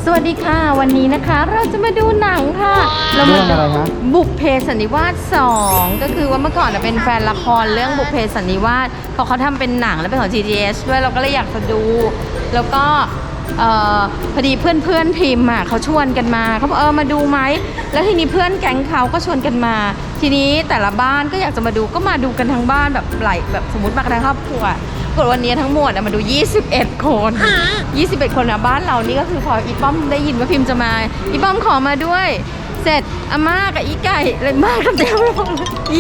วัสดีค่ะวันนี้นะคะเราจะมาดูหนังค่ะเรามาดูบุพเพสันนิวาส2ก็คือว่าเมื่อก่อนเป็นแฟนละครเรื่องบุพเพสันนิวาสเขาทำเป็นหนังแล้วเป็นของ GDS ด้วยเราก็เลยอยากจะดูแล้วก็พอดีเพื่อนพิมพ์เขาชวนกันมาเขาบอกมาดูไหมแล้วทีนี้เพื่อนแก๊งเขาก็ชวนกันมาทีนี้แต่ละบ้านก็อยากจะมาดูก็มาดูกันทั้งบ้านแบบหลายแบบสมมติมากันทั้งครอบครัวกดวันนี้ทั้งหมดมาดู21 คน21 คนนะบ้านเรานี่ก็คือพออีป้อมได้ยินว่าพิมพ์จะมาอีป้อมขอมาด้วยเสร็จอาม่ากับอีไก่เลยมากันเต็มไปหมด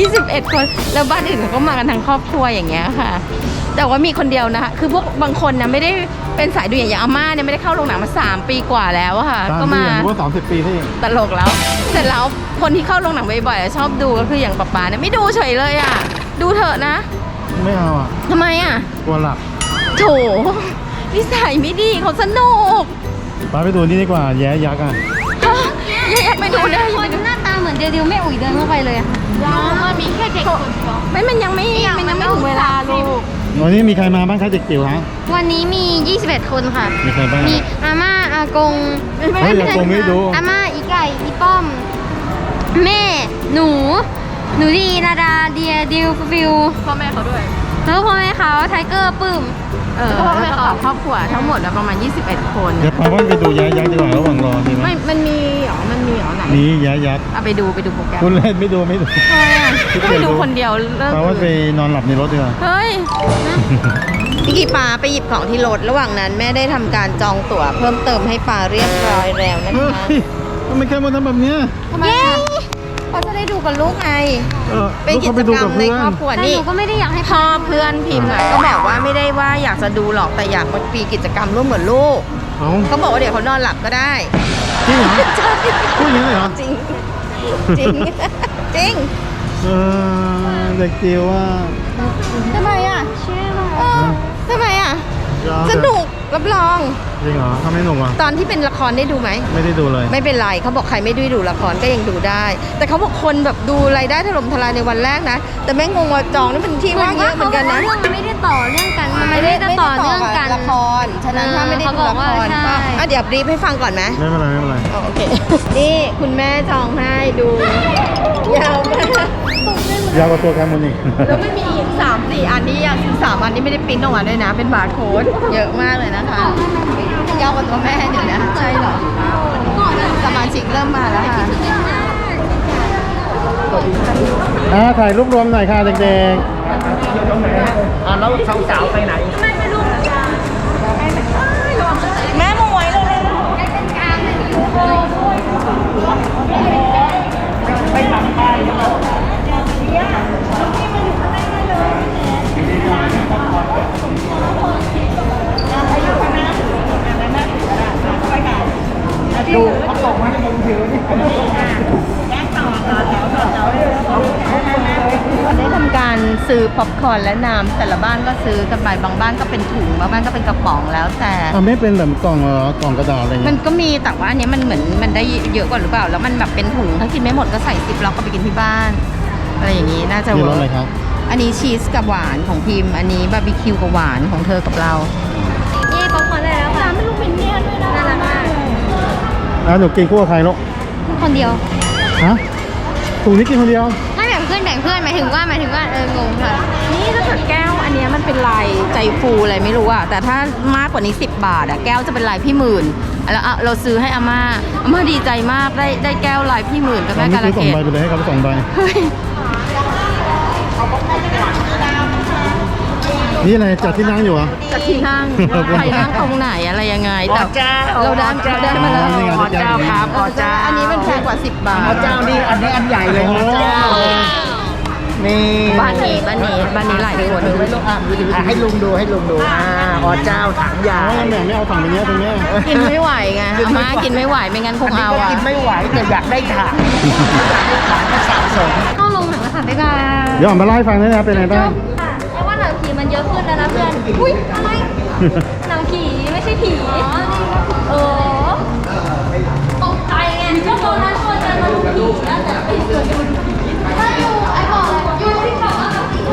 21 คนแล้วบ้านอื่นเขาก็มากันทั้งครอบครัวอย่างเงี้ยค่ะแต่ว่ามีคนเดียวนะคะคือพวกบางคนนะไม่ได้เป็นสายดูอย่างอาม่าเนี่ยไม่ได้เข้าโรงหนังมา3 ปีกว่าแล้วอะค่ะก็มาว่า30 ปีที่ตลกแล้วเสร็จแล้วคนที่เข้าโรงหนังบ่อยๆชอบดูก็คืออย่างป๊าเนี่ยไม่ดูเฉยเลยอะดูเถอะนะไม่เอาอ่ะทำไมอ่ะกลัวหลับโถนิสัยไม่ดีเขาสนุกป้าไปดูนี่ดีกว่าแย้ยักษ์อ่ะอยากไปดูเลยคนหน้าตาเหมือนเดียวแม่อุ๋ยเดินเข้าไปเลยค่ะมันมีแค่เด็กคนเดียวมันยังไม่ถึงเวลาลูกวันนี้มีใครมาบ้างคะเด็กจิ๋วฮะวันนี้มี21 คนค่ะมีใครบ้างมีอาม่าอากงไม่อากงไม่ดูอาม่าอีไก่อีป้อมแม่หนูดีนาดาเดียดิวฟิวพ่อแม่เขาด้วยแล้วพ่อแม่เขาไทเกอร์ปื้มพ่อแม่เขาครอบครัวทั้งหมดประมาณ21 คนเดี๋ยวพาว่าไปดูแย้ยักษ์ดีกว่าระหว่างรอดีไหมไม่มันมีหรอไหนมีแย้ยักษ์ไปดูโปรแกรมคุณเล่นไม่ดูไปดูคนเดียวพาว่าไปนอนหลับในรถดีกว่าเฮ้ยพี่กีปาไปหยิบของที่รถระหว่างนั้นแม่ได้ทำการจองตั๋วเพิ่มเติมให้ปาเรียบร้อยแล้วนะคะทำไมแค่มาทำแบบนี้ทำไมเขาจะได้ดูกับลูกไงเป็นกิจกรรมในครอบครัวนี่หนูก็ไม่ได้อยากให้พ่อเพื่อนพิมพ์ก็บอกว่าไม่ได้ว่าอยากจะดูหรอกแต่อยากมาปีกิจกรรมร่วมกับลูกเขาบอกว่าเดี๋ยวเขานอนหลับก็ได้จริงเหรอพูดอย่างนี้เลยเหรอจริงเด็กจิ๋วว่าทำไมอ่ะทำไมอ่ะสนุกรับรองจริงเหรอทำไมหนุกอ่ะตอนที่เป็นละครได้ดูไหมไม่ได้ดูเลยไม่เป็นไรเขาบอกใครไม่ได้ดูละครก็ยังดูได้ แต่เขาบอกคนแบบดูรายได้ถล่มทลายในวันแรกนะแต่แม่งงว่าจองนี่เป็นที่ว่างเยอะเหมือนกันนะเรื่องมันไม่ได้ต่อเรื่องกันมันไม่ได้ต่อเนื่องกันละครฉะนั้นถ้าไม่ได้ดูละครก็เดี๋ยวบรีฟให้ฟังก่อนไหมไม่เป็นไรโอเคนี่คุณแม่จองให้ดูยาวมากยาวกว่าตัวแคมูนี่แล้วไม่มีอีก3-4 อันนี้อย่าง3 อันนี้ไม่ได้ปริ้นออกมาด้วยนะเป็นบาร์โค้ดเยอะมากเลยนะคะยาวกว่าตัวแม่เดี๋ยวนะใช่เหรอสมาชิกเริ่มมาแล้วค่ะถ่ายรูปรวมหน่อยค่ะเด็กๆแล้วสาวๆไปไหนแม่มาไว้เลยไปทำป้ายดูเขาส่งมาให้ผมถือนี่ได้ทำการซื้อป๊อปคอร์นและน้ำแต่ละบ้านก็ซื้อกันไปบางบ้านก็เป็นถุงบางบ้านก็เป็นกระป๋องแล้วแต่ไม่เป็นแบบกล่องกระดาษอะไรเงี้ยมันก็มีแต่ว่าอันนี้มันเหมือนมันได้เยอะกว่าหรือเปล่าแล้วมันแบบเป็นถุงถ้ากินไม่หมดก็ใส่ซิปล็อกก็ไปกินที่บ้านอะไรอย่างนี้น่าจะเวิร์กอะไรครับอันนี้ชีสกับหวานของพิมอันนี้บาร์บีคิวกับหวานของเธอกับเราเย่ป๊อปคอร์นได้แล้วค่ะไม่รู้เป็นเนี่ยด้วยนะน่ารักมากหนูกินคู่กับใครลูกคนเดียวฮะถุงนี้กินคนเดียวถ้าแบ่งเพื่อนหมายถึงว่างงค่ะนี่ถ้าเกิดแก้วอันนี้มันเป็นลายใจฟูอะไรไม่รู้อะแต่ถ้ามากกว่านี้10 บาทอะแก้วจะเป็นลายพี่หมื่นแล้วเราซื้อให้อาม่าดีใจมากได้แก้วลายพี่หมื่นกับแม่กาลเกต 2 ใบไปเลยให้เขา2 ใบนี่อะไรจัดที่นั่งอยู่อ่ะจัดที่นั่งใครนั่งตรงไหนอะไรยังไงแต่เราได้มาแล้วขอเจ้าครับขอเจ้าอันนี้มันแพงกว่า10 บาทขอเจ้านี่อันนี้อันใหญ่เลยขอเจ้านี่บ้านนี้หลายคนให้ลุงดูขอเจ้าถังใหญ่ไม่เอาถังไปเนี้ยตรงเนี้ยกินไม่ไหวไงอาม่ากินไม่ไหวไม่งั้นคงเอากินไม่ไหวแต่อยากได้ถังก็สะสมเข้าลงหนังแล้วค่ะบ๊ายบายเดี๋ยวมาไล่ฟังด้วยนะเป็นไงบ้างแต่ว่าหนังผีมันเยอะขึ้นแล้วนะเพื่อนอุ้ยอะไรหนังผีไม่ใช่ผีตกใจไงก็ตอนนั้นชวนกันมาดูผีนะแต่ไม่เคยดูผีถ้าอยู่ไอ้บอกอยู่ที่บอกว่าแบบผี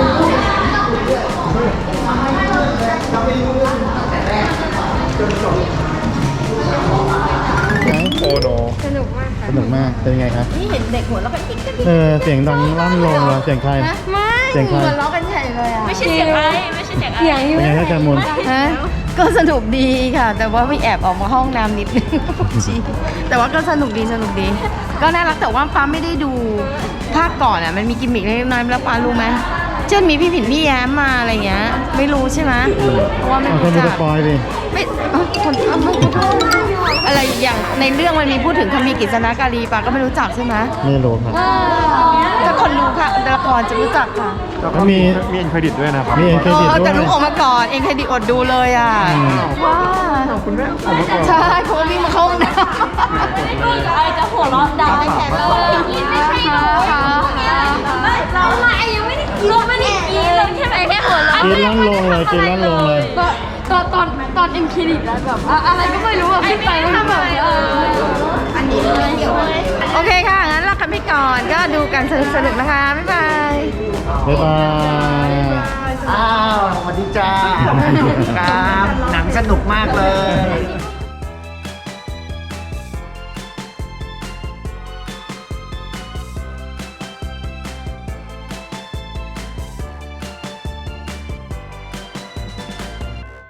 เไหมโอ้โนสนุกมากค่ะสนุกมากเป็นไงครับนี่เห็นเด็กหัวเราะกันกิ๊กกิ๊กเสียงดังลั่นลงเลยเสียงใครนะไม่เสียงใครหัวเราะกันใหญ่เลยอ่ะไม่ใช่เสียงไอ้ไม่ใช่เสียงไอ้เสียงอยู่เป็นไงครับแจมูลฮะก็สนุกดีค่ะ แต่ว่าไม่แอบออกมาห้องน้ำนิดนึง แต่ว่าก็สนุกดี ก็น่ารักแต่ว่าป้าไม่ได้ดูภาคก่อนอ่ะมันมีกิมมิคเล็กน้อยแล้วป้ารู้ไหมเช่นมีพี่ผินพี่แย้มมาอะไรเงี้ยไม่รู้ใช่ไหมเพราะว่าไม่เอาคนรู้ดูจัสกปอยดิไม่คนอะไรอย่างในเรื่องมันมีพูดถึงคำมีกฤษณการีป้าก็ไม่รู้จักใช่ไหมไม่รู้ครับถ้าคนรู้ค่ะละครจะรู้จักค่ะแล้วก็มีเอ็นเครดิตด้วยนะครับมีเอ็นเครดิตด้วยแต่รู้ออกมาก่อนเองเครดิตอดดูเลยอ่ะอืมว้าคุณแม่ออกมาก่อนใช่เพราะว่าวิ่งมาเข้าห้องน้พูดกับไอ้จะหัวเราะดังในแขนเลยกินไม่ใช่หนูไม่เราไม่ยังไม่ได้กินเราไม่ได้กินเราแค่แบบแค่หัวเราะกินลั่นลงเลยกินลั่นลงเลยตอนเอ็มคลินิกแล้วแบบอะไรก็ไม่รู้อะขึ้นไปแล้วแบบอันนี้เลยเดี๋ยวเลยำโอเคค่ะ งั้นลากันไปก่อนก็ดูกันสนุกๆนะคะ บ๊ายบายบ๊ายบายอ้าวสวัสดีจ้าครับหนังสนุกมากเลย